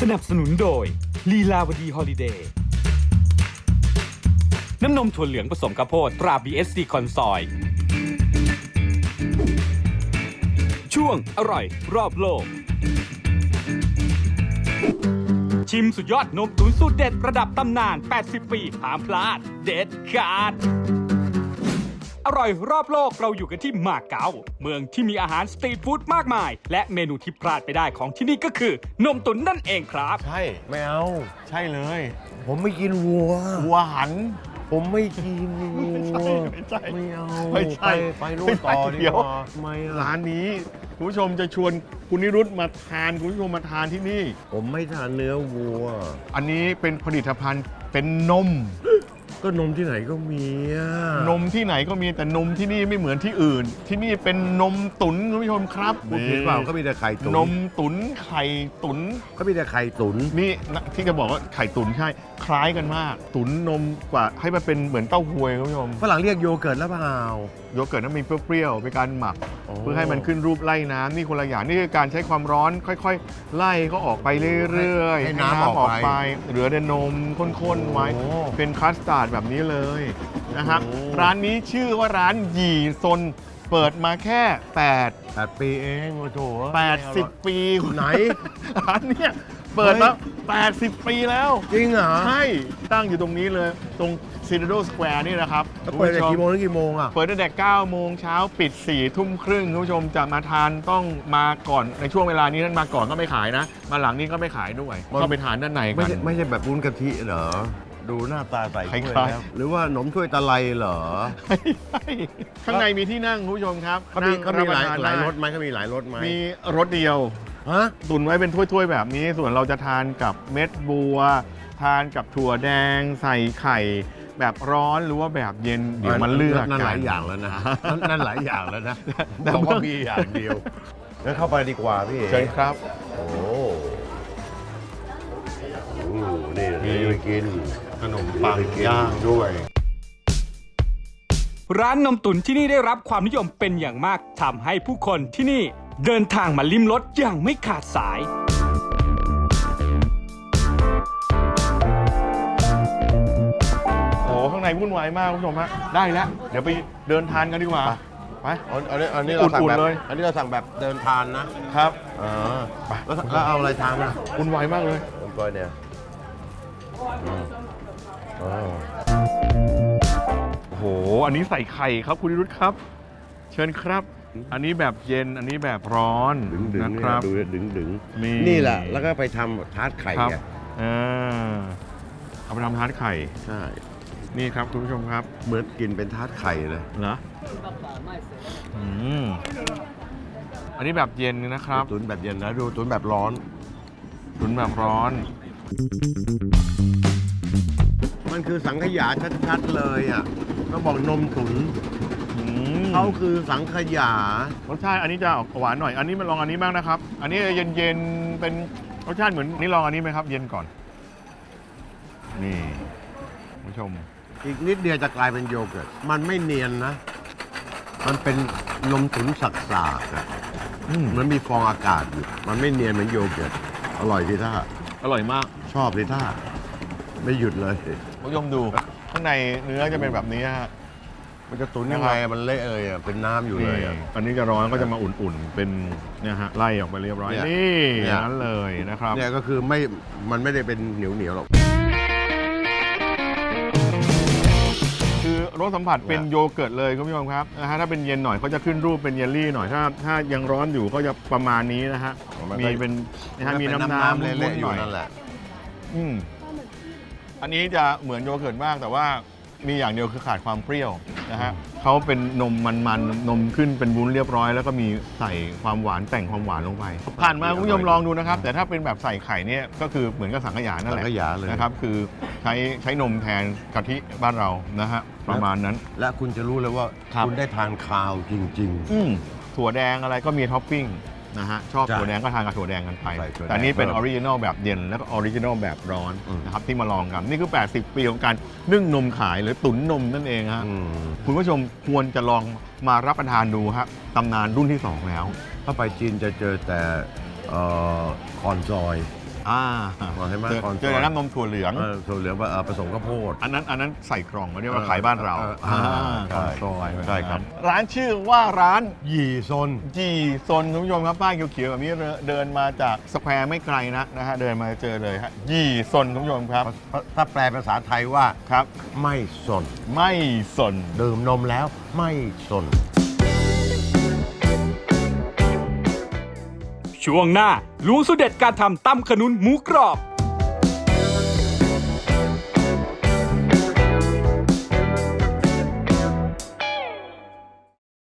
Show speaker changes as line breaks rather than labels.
สนับสนุนโดยลีลาวดีฮอลิเดย์น้ำนมถั่วเหลืองผสมข้าวโพดตรา BSC คอนซอย ช่วงอร่อยรอบโลก ชิมสุดยอดนมตุ๋นสูตรเด็ดระดับตำนาน 80 ปีห้ามพลาด เด็ดขาด อร่อยรอบโลกเราอยู่กันที่มาเก๊าเมืองที่มีอาหารสตรีทฟู้ดมากมาย และเมนูที่พลาดไปได้ของที่นี่ก็คือนมตุ๋นนั่นเองครับ
ใช่ไม่เอา ใช่เลย
ผมไม่กินวัว
วัวหัน
ผมไม่กินวัว
ไม่ใช่
ไม่เอา
ไม่ใช่
ไปนู่นต่อดี
เดี๋ยว
กว่าไม่อะ
ร้านนี้คุณผู้ชมจะชวนคุณนิรุตมาทานคุณผู้ชมมาทานที่นี่
ผมไม่ทานเนื้อวัว
อันนี้เป็นผลิตภัณฑ์เป็นนม
ก็นมที่ไหนก็มีอะ
นมที่ไหนก็มีแต่นมที่นี่ไม่เหมือนที่อื่น ที่นี่เป็นนมตุ๋นคุณผู้ชมครับ
พูดผิดเปล่าก็มีแต่ไข่ตุ๋น
นมตุ๋นไข่ตุ๋น
ก็มีแต่ไข่ตุ๋น
นี่นะที่จะบอกว่าไข่ตุ๋นใช่ คล้ายกันมาก ตุ๋นนมกว่าให้มันเป็นเหมือนเต้าหวยคุณผู้ชม
ฝรั่งเรียกโยเกิร์ตแล้วเปล่า
โยเกิร์ตนั้นมีเปรี้ยวๆเป็นการหมัก
โอ้
เพื่อให้มันขึ้นรูปไล่น้ำนี่คนละอย่างนี่คือการใช้ความร้อนค่อยๆ ไล่ก็ออกไปเรื่อยๆ
ให้น้ำออกไป
เหลือแต่นมข้นๆไว้
โอ้
เป็นคัสตาร์ดแบบนี้เลยนะครับ
โอ้
ร้านนี้ชื่อว่าร้านหยี่ซนเปิดมาแค่
8 ปีเองโอ้โห
80 ปี
ไหน
ร้านเนี้ยเปิดมา80 ปีแล้ว
จริงเหรอ
ใช่ ตั้งอยู่ตรงนี้เลย ตรงซินโดสแควร์นี่นะครับ
แล้วเปิดแต่กี่โมงถึงกี่โมงอ่ะ
เปิดตั้งแต่9 โมงเช้าปิด 4 ทุ่มครึ่งคุณผู้ชมจะมาทานต้องมาก่อนในช่วงเวลานี้ท่านมาก่อนก็ไม่ขายนะ มาหลังนี้ก็ไม่ขายด้วยเข้าไปทานด้านใน
ไม่
กัน
ใช่ไม่ใช่แบบวุ้นกะทิเหรอ ดูหน้าตาใส่
คล้ายๆ
ถ้วยแล้วหรือว่าขนมถ้วยตะไลเหรอ
ข้างในมีที่นั่งคุณผู้ชมครับ
เขามี
นั่ง
หลาย
บประทน
หลาย
ได้
รสไหมเขามีหลายรสไหม
มีรสเดียว
ฮะ
ตุนไว้เป็นถ้วยๆแบบนี้ ส่วนเราจะทานกับเม็ดบัว ทานกับถั่วแดง ใส่ไข่ แบบร้อนหรือว่าแบบเย็นเดี๋ยวมันเลือก
นั่น
กั
หลายอย่างแล้วนะ นั่นหลายอย่างแล้วนะ
แต่
บอกว่า
เมื่อ
มีอย่างเดียวงั้นเข้าไปดีกว่าพี่เอ๋
เชิญครับ
โอ้นี่ไปกิน
ขนมปังย่างด้วย
ร้านนมตุ๋นที่นี่ได้รับความนิยมเป็นอย่างมากทำให้ผู้คนที่นี่เดินทางมาลิ้มรสอย่างไม่ขาดสาย
โอ้ข้างในวุ่นวายมากคุณผู้ชมฮะได้แล้ว เดี๋ยวไปเดินทานกันดีกว่า ไป
อันนี้เราสั่งแบบ
อุ่นๆเลย
อันนี้เราสั่งแบบเดินทานนะครับ แล้วเอาอะไรทานนะ
วุ่นวายมากเลย
ผมก้อยเนี่ยอ๋อ
โอ้โห อันนี้ใส่ไข่ครับคุณนิรุตครับ เชิญครับ อันนี้แบบเย็น อันนี้แบบร้อน
ดึง
นะครับ
ดูดึง
มี
นี่แหละแล้วก็ไปทำทาร์ตไข่
ครับ
ไง
เอาไปทำทาร์ตไข่
ใช่
นี่ครับคุณผู้ชมครับ
เหมือนกินเป็นทาร์ตไข่เลย
เหรออืมอันนี้แบบเย็นนะครับ
ตุ๋นแบบเย็นนะดูตุ๋นแบบร้อน
ตุ๋นแบบร้อน
มันคือสังขยาชัดๆเลยอ่ะต้องบอกนมตุ๋น
อืม
เขาคือสังขยาร
สชาติอันนี้จะออกหวานหน่อย อันนี้มาลองอันนี้บ้างนะครับ อันนี้เย็นๆ เป็นรสชาติเหมือนนี่ลองอันนี้ไหมครับ เย็นก่อน นี่คุณผู้ชม
อีกนิดเดียวจะกลายเป็นโยเกิร์ตมันไม่เนียนนะ มันเป็นนมตุ๋นสักๆอะ
อืม
มันมีฟองอากาศอยู่มันไม่เนียนเหมือนโยเกิร์ตอร่อยที่ท่า
อร่อยมาก
ชอบที่ท่าไม่หยุดเลย
คุณผู้ชมดู ข้างในเนื้อจะเป็นแบบนี้ฮะ
มันจะตุ๋นยังไงอะมันเละเลยอ่ะเป็นน้ำอยู่เลยอ่ะ
อันนี้จะร้อนก็จะมาอุ่นๆ เป็นเนี่ยฮะไล่ออกไปเรียบร้อย
เนี่ย
นี่
เนี่ย
นั้นเลยนะครับ
เนี่ยก็คือมันไม่ได้เป็นเหนียวหรอก
คือรสสัมผัสเป็นโยเกิร์ตเลยคุณผู้ชมครับนะฮะถ้าเป็นเย็นหน่อยเขาจะขึ้นรูปเป็นเยลลี่หน่อยถ้ายังร้อนอยู่ก็จะประมาณนี้นะฮะ
มันก็
มีเป็นนะฮะมีน้ำ
เละ
มุน
ๆ
ๆ
อ
ห
ยู่
น่อย
นั่นแหละ
อืมอันนี้จะเหมือนโยเกิร์ตมากแต่ว่ามีอย่างเดียวคือขาดความเปรี้ยวนะฮะเขาเป็นนมมันๆนมขึ้นเป็นวุ้นเรียบร้อย แล้วก็มีใส่ความหวานแต่งความหวานลงไป ผ่านมาคุณผู้ชมลองดูนะครับ แต่ถ้าเป็นแบบใส่ไข่เนี่ยก็คือเหมือนกับสังขยานั่นแหละ
สังขยาเลย
นะครับคือใช้นมแทนกะทิบ้านเรานะฮะประมาณนั้น
และคุณจะรู้เลยว่า
ครับ
คุณได้ทานคาวจริง
ถั่วแดงอะไรก็มีท็อปปิ้งนะฮะชอบ
ใช่
ถั่วแดงก็ทานกับถั่วแดงกันไป
ใส่ถั่วแดง
แต่นี่เป็นอ
เพิ่
อ
ม
ริจินอลแบบเย็นแล้วก็ออริจินอลแบบร้อน
อืม
นะครับที่มาลองกัน นี่คือ 80 ปีของการนึ่งนมขายหรือตุ๋นนมนั่นเองฮะ
ๆอืม
คุณผู้ชมควรจะลองมารับประทานดูครับตำนานรุ่นที่ 2 แล้ว
ถ้าไปจีนจะเจอแต่คอนซอยเห็นไหม
เจอน้ำนมถั่วเหลือง
ถั่วเหลืองผสมข้าวโพด
อันนั้นใส่กล่องเรียกว่าขายบ้านเรา
ใช่
ใช่ครับ ร้านชื่อว่าร้าน
หยี่ซน
จีซนคุณผู้ชมครับป้ายเขียวๆแบบนี้เดินมาจากสแควร์ไม่ไกลนะฮะเดินมาเจอเลยฮะยี่ซนคุณผู้ชมครับ
ถ้าแปลภาษาไทยว่า
ครับ
ไม่สน
ไม่สน
ดื่มนมแล้วไม่สน
ช่วงหน้าล้วงสูตรเด็ดการทำตำขนุนหมูกรอบ